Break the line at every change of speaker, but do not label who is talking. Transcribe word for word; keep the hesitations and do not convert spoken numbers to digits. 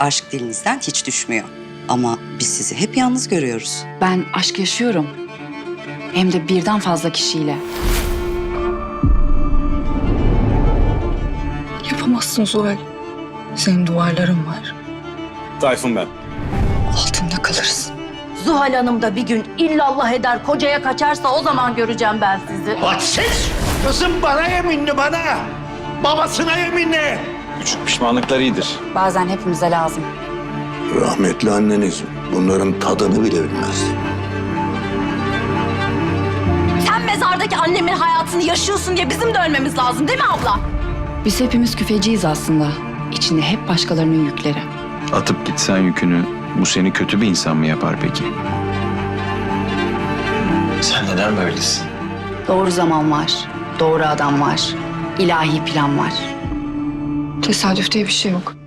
aşk dilinizden hiç düşmüyor. Ama biz sizi hep yalnız görüyoruz.
Ben aşk yaşıyorum. Hem de birden fazla kişiyle.
Yapamazsın Zuhal. Senin duvarların var.
Tayfun ben.
Altında kalırsın.
Zuhal Hanım da bir gün illallah eder kocaya kaçarsa o zaman göreceğim ben sizi.
Hadsiz! Kızım bana yeminli bana. Babasına yeminli.
Küçük pişmanlıklar iyidir.
Bazen hepimize lazım.
Rahmetli anneniz bunların tadını bile bilmezdi.
Sen mezardaki annemin hayatını yaşıyorsun diye bizim de ölmemiz lazım değil mi abla?
Biz hepimiz küfeciyiz aslında. İçinde hep başkalarının yükleri.
Atıp gitsen yükünü, bu seni kötü bir insan mı yapar peki?
Sen neden böylesin?
Doğru zaman var, doğru adam var, ilahi plan var.
Tesadüf diye bir şey yok.